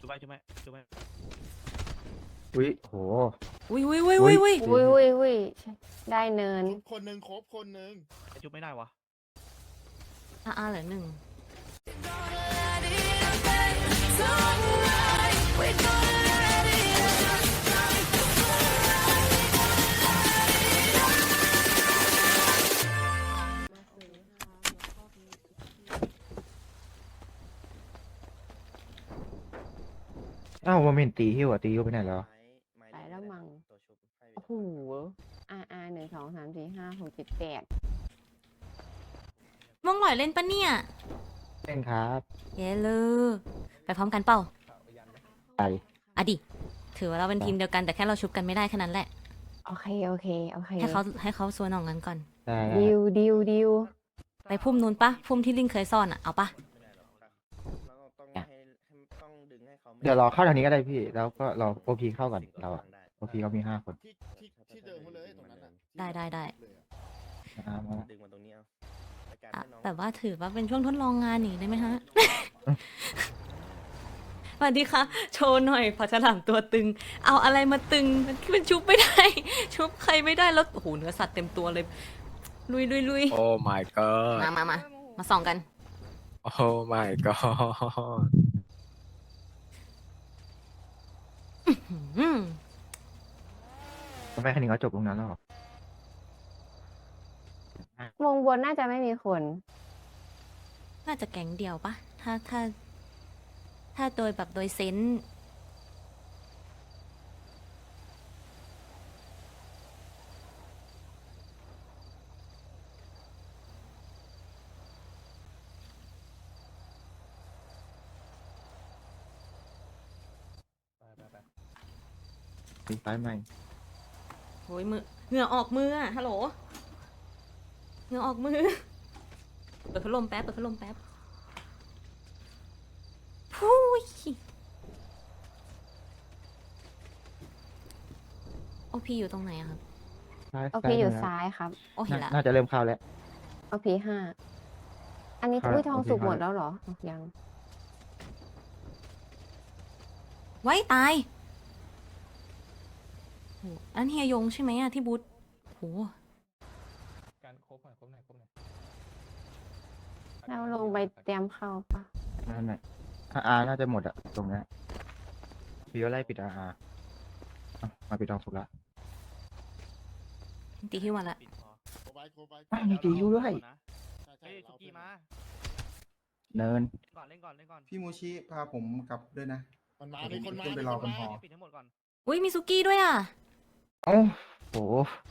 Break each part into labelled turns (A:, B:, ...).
A: จุ๊บไปจุ๊บไปจุ๊บไป
B: อุ้ยโห
C: อุ้ย
D: ได้เนิน
E: คนหนึ่งครบคนหนึ่ง
A: ไอจุ๊บไม่ได้วะ
C: เหลือหนึ่ง
B: อ้าวว่าเมนตีฮิวอ่ะตีฮิวไปไหนแล้ว
D: ไปแล้วมั้ง โอ้โห1 2 3 4 5 6 7 8
C: ม่วงหลอยเล่นปะเนี่ย
B: เล่นครับ
C: เย้เลยไปพร้อมกันเปล่า
B: ไป
C: อ่ะดิถือว่าเราเป็นทีมเดียวกันแต่แค่เราชุบกันไม่ได้แค่นั้นแหละ
D: โอเค
C: ให้เขาสวนออกงั้นก่อน
B: ได้
D: ดิว
C: ไปพุ่มนู้นปะพุ่มที่ลิงเคยซ่อนอ่ะเอาปะ
B: เดี๋ยวรอเข้าทางนี้ก็ได้พี่ แล้วก็รอโอพีเข้าก่อนเราอะโอพีเขามี5 คน
E: ที่เดิมมาเลยตรงนั้นอ่ะ
C: ได้
B: มาละ
F: ดึงมาตรงนี้เอา
C: อ่ะแบบว่าถือว่าเป็นช่วงทดลองงานนี่ได้ไหมฮะ สวัสดีค่ะ โชว์หน่อยพอฉลามตัวตึง เอาอะไรมาตึงมันชุบไม่ได้ ชุบใครไม่ได้แล้วโอ้โหเนื้อสัตว์เต็มตัวเลย ลุย
F: โอ้ my god
C: มาส่องกัน
F: โอ้ my god
C: อืม
B: ทำไมคันนี้เขาจบตรงนั้นแล้วเหรอ
D: วงบนน่าจะไม่มีคน
C: น่าจะแก๊งเดียวปะถ้าโดยแบบโดยเซนส์
B: ตีไฟใหม่
C: โอ้ยเหงื่อออกมืออะฮัลโหลเหงื่อออกมือเปิดพัดลมแป๊บพู้ยโอพีอยู่ตรงไหนอะครับ
D: โอเคอยู่ซ้ายครับ
C: โอ้เห็นละ
B: น่าจะเริ่มเข้าแล้ว
D: โอเค5 อันนี้อุ้ยทองสุกหมดแล้วเหรอ ยัง
C: ไว้ตายโหอันเฮียยงใช่ไหมอะที่บูธโห
A: การครบหน่อย
D: เราลงไปเตรียมเข้าปะ
B: นั่นแหละอาน่าจะหมดอะตรงเนี้ยพี่ก็ไล่ปิดอามาปิดทองสุกละ
C: ตีฮิวมาละ
A: ปิดพอ
E: โคบาย
B: อ้าวมีตีฮิวด้วย
E: ใช่
A: เฮ้ยสุกี้มา
B: เนิน
A: เล่นก่อน
G: พี่มูชิพาผมกลับด้วยนะ
E: มันมามีคนมา
G: ขึ้นไปรอบนหอ
A: ปิดทั้งหมดก่อน
C: อุ้ยมีซุกี้ด้วยอะ
B: โอ้โห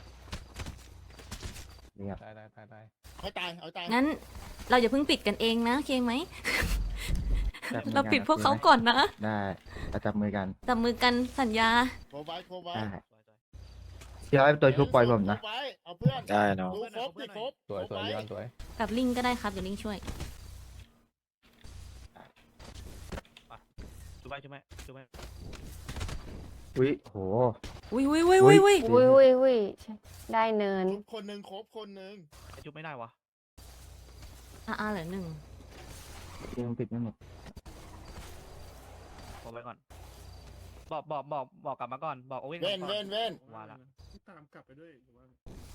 B: เรียบ
E: เอาตาย
C: งั้นเราอย่าเพิ่งปิดกันเองนะโอเคไหม
B: จับมือกัน
C: เราปิดพวกเขาก่อนนะ
B: ได้เราจับมือกัน
C: จับมือกันสัญญา
E: โคบาย
B: ได้เดี๋ยวให้ตัวชุบปล่อยผมนะ
E: เอาเพื่อน
F: ได้เนาะ
E: ดูครบดิครบ
A: สวยย้อนสวย
C: กับลิงก็ได้ครับเดี๋ยวลิงช่วย
A: จุ๊บไป
B: อุ้ยโห
C: อุ้ย
D: อุ้ยได้เนิน
E: คนหนึ่งครบคนหนึ่ง
A: ไอจุ๊บไม่ได้วะ
C: เหลือหนึ่ง
B: ยังปิดไม่หมด
A: บอกไปก่อนบอกกลับมาก่อนบอกโอเว่น
E: เว้น
A: ก่อน
E: เว้น
A: ว่าละ
G: ตามกลับไปด้วยหรือว่า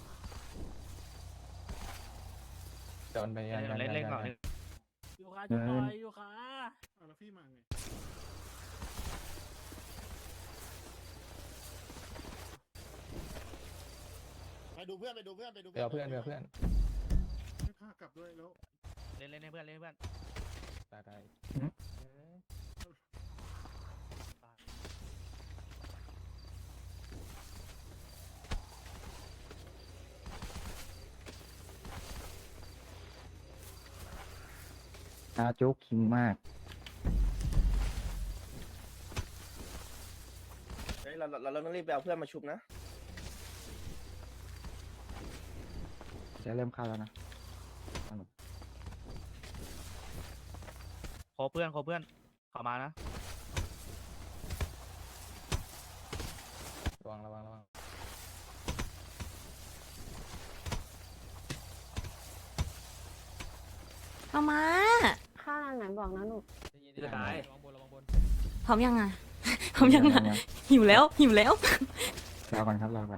A: เล่นก่อน
G: อยู่ค่ะจะปล่อยอยู่ค่ะแล้วพี่มาไง
E: ไปดูเพื่อน
G: ให้พากลับด้วยแล้ว
A: เล่นให้เพื่อนได้
B: โจ๊กคิงมาก
F: เฮ้ยเราต้องรีบไปเอาเพื่อนมาชุบนะ
B: จะเริ่มเข้าแล้วนะ
A: ขอเพื่อนขอมานะ ระวัง
C: เอามา
D: ข้าวร้านไหนบอกนะลูก
A: จะตาย
C: พร้อมยังอ่ะ พร้อมยังอ่ะ
B: ยัง
C: หิวแล้วหิวแล้ว
B: รอก่อนครับรอก่อน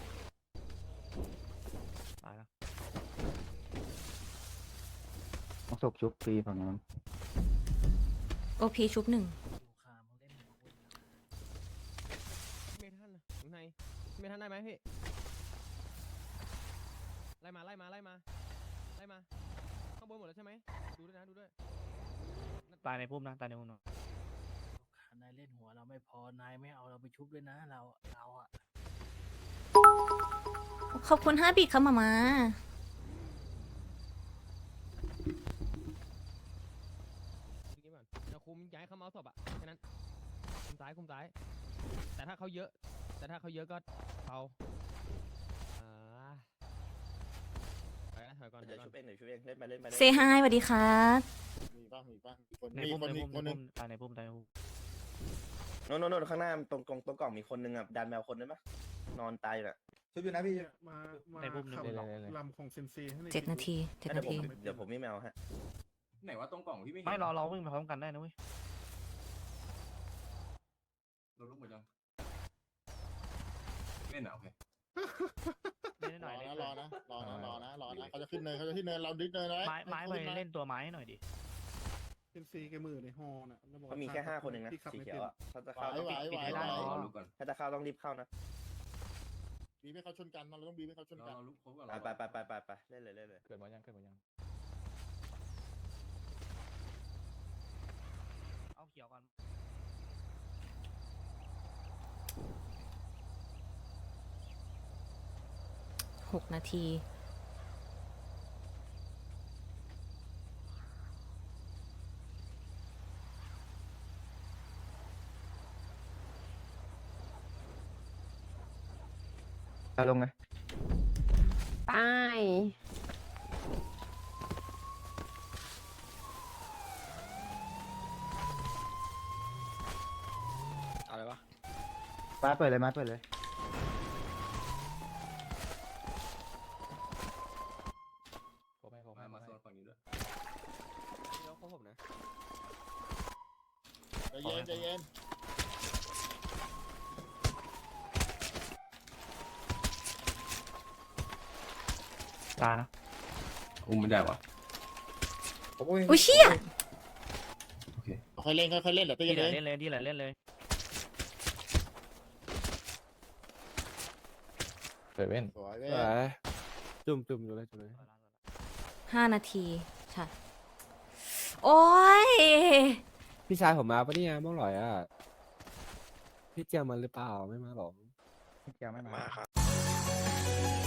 A: ตายแล้ว
B: ต้องศพชุบฟรีฝั่งนู้น
C: โอพีชุบหนึ่ง
H: ไม่ทันข้างในไม่ทันได้ไหมพี่ ไล่มา ไล่มา ไล่มา ไล่มา ข้างบนหมดแล้วใช่ไหม ดูด้วยนะ ดูด้วย
A: ตายในพุ่มนะตายในพุ่มนะ
G: นายเล่นหัวเราไม่พอนายไม่เอาเราไปชุบด้วยนะเราอะ
C: ขอบคุณ5 บิตค่ะมามา
H: ดูนี้ก่อนเราคุมย้ายเขาเมาส์ศพอะแค่นั้น คุมซ้าย คุมซ้าย แต่ถ้าเขาเยอะ ก็เบาไปนะถอยก่อนถ
F: เดี๋
H: อย ยว ก่อน
F: ชุบเองเดี๋ยวชุบเองเล่นไปเล่นไป
C: เซฮายสวัสดีครับ
E: มีบ้างมีบ้างมีคน
A: ใน
E: มี
A: พุ่ม
E: คน
A: ใน
E: มี
A: พุ่ม
E: คน
A: ใน
E: หนึง
A: พุ่มตายในพุ่มตายในพุ่ม
F: โน่นข้างหน้าตรงกล่องมีคนนึงอ่ะดันแมวคนนึงปะนอนตายอยู่น่ะ
E: ชุบอยู่นะพี่
G: มา
A: ในพุ่มหนึ่ง
G: ขับ
A: เลย
G: ลำของเซนซีให้หอย
C: 7 นาที7
F: เดี๋ย
C: นาว
F: ผม
C: ที
F: เดี๋ยวผมมีแมวฮะ
I: ไหนว่าตรงกล่องพี่ไม่เห็น
A: ไม่เราวิ่งไปพร้อมกันได้นะเว้ย
I: เราลุกหมดยังเล่นเหรอโอเค
A: เล่นห
E: ร
A: น่
E: อ
A: อย
E: นะรอนะเขาจะขึ้นเนินเราดิสเนินนะ
A: ไม้ไปเล่นตัวไม้หน่อยดิ
G: เซนซีแกมือในฮอน่ะแล้วบอก
F: มันมีแค่5 คนเองนะ
G: ที่ขับ
F: สี
G: ไม่
F: เขี
G: เป็
F: ย
G: น
F: วอ่ะถ้าจะเข้าต้อง
A: ปิดให้ได้
I: ร
A: อ๋อ
I: อลุกก่อน
F: ถ้าจะเข้าต้องรีบเข้านะ
E: บีบให้เขาชนกันเราต้องบีบให้เขาชน
I: รอ
E: กัน
I: เราลุกครบก่อน
F: ไปเล่นเลย
B: เกิดมายังเกิดมายัง
A: เอาเขียวก่อน
C: 6 นาที
B: ตาลงเลย
D: ไป
F: อะไรวะ
B: มาเปิดเลยมาเปิดเลย
I: มาโซนฝั่งนี้ด้วย
H: เดี๋ยวเขาผมนะ
E: ใจเย็น
A: ตายนะ
I: อุ้มไม่ได้วะ
C: อุ้ยเชี่ย
I: โอเค
E: ค่อยเล่นค่อยเล่นเดี๋ยวตี
A: ที่ไหน
E: เลย
A: เล่นเลยที่ไหนเล่นเลย
B: เปิดเว้น
E: สวยเว้ย
H: จุ่มอยู่เลย
C: 5 นาทีใช่โอ้ย
H: พี่ชายผมมาปะเนี่ยบ้องหลอยอ่ะ พี่เจียมมาหรือเปล่า ไม่มาหรอ
B: เกี่ยวไม่มา
F: มาครับ